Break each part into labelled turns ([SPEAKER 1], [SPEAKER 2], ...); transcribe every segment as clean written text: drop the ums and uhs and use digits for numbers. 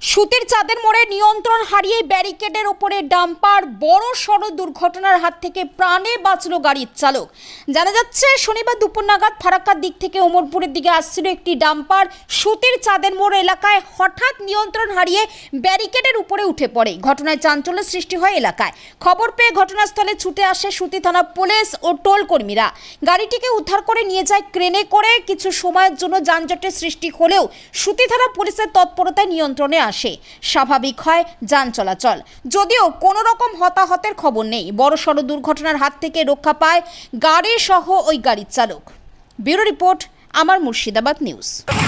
[SPEAKER 1] সুতির চাঁদের মোড়ে নিয়ন্ত্রণ হারিয়ে ব্যারিকেডের ওপরে ডাম্পার বড় সড় দুর্ঘটনার হাত থেকে প্রাণে বাঁচল গাড়ির চালক। জানা যাচ্ছে শনিবার দুপুর নাগাদ ফারাক্কার দিক থেকে ওমরপুরের দিকে আসছিল একটি ডাম্পার সুতির চাঁদের মোড় এলাকায় হঠাৎ নিয়ন্ত্রণ হারিয়ে ব্যারিকেডের উপরে উঠে পড়ে। ঘটনায় চাঞ্চল্য সৃষ্টি হয় এলাকায়। খবর পেয়ে ঘটনাস্থলে ছুটে আসে সুতি থানা পুলিশ ও টোল কর্মীরা। গাড়িটিকে উদ্ধার করে নিয়ে যায় ক্রেনে করে। কিছু সময়ের জন্য যানজটের সৃষ্টি হলেও সুতি থানা পুলিশের তৎপরতায় নিয়ন্ত্রণে আসে, স্বাভাবিক হয় যান চলাচল। যদিও কোনো রকম হতাহতের খবর নেই। বড়সড় দুর্ঘটনার হাত থেকে রক্ষা পায় গাড়ি সহ ওই গাড়ির চালক। ব্যুরো রিপোর্ট, আমার মুর্শিদাবাদ নিউজ।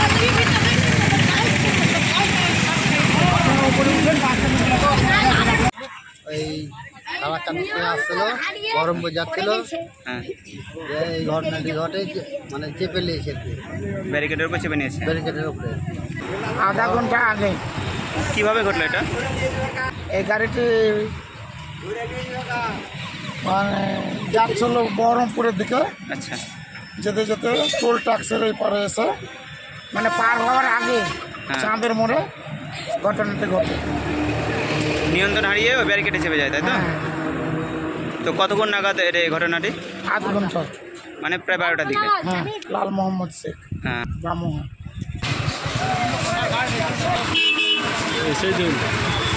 [SPEAKER 2] এই ফারাক্কা থেকে আসছিল, বহরমপুর যাচ্ছিল, এই ঘটনাটি ঘটে, মানে চেপে নিয়েছে
[SPEAKER 3] ব্যারিকেডের উপর চেপে নিয়েছে।
[SPEAKER 2] ব্যারিকেডের উপরে
[SPEAKER 4] আধা ঘন্টা আগে
[SPEAKER 3] কিভাবে ঘটলো এটা?
[SPEAKER 4] এই গাড়িটি মানে যাচ্ছিল বহরমপুরের দিকে,
[SPEAKER 3] আচ্ছা,
[SPEAKER 4] যেতে যেতে টোল ট্যাক্সের এই পারে এসে মানে পার হওয়ার আগে চাঁদের মোড়ে ঘটনাটি ঘটে।
[SPEAKER 3] নিয়ন্ত্রণ হারিয়ে ওই ব্যারিকেডে চেপে যায়, তাই তো?
[SPEAKER 4] হ্যাঁ,
[SPEAKER 3] তো কতক্ষণ নাগাদ এই ঘটনাটি?
[SPEAKER 4] আধ ঘন্টা।
[SPEAKER 3] মানে প্রায় 12টার দিকে।
[SPEAKER 4] হ্যাঁ, লাল মোহাম্মদ শেখ
[SPEAKER 3] হ্যাঁ,
[SPEAKER 4] ব্রাহ্মণ।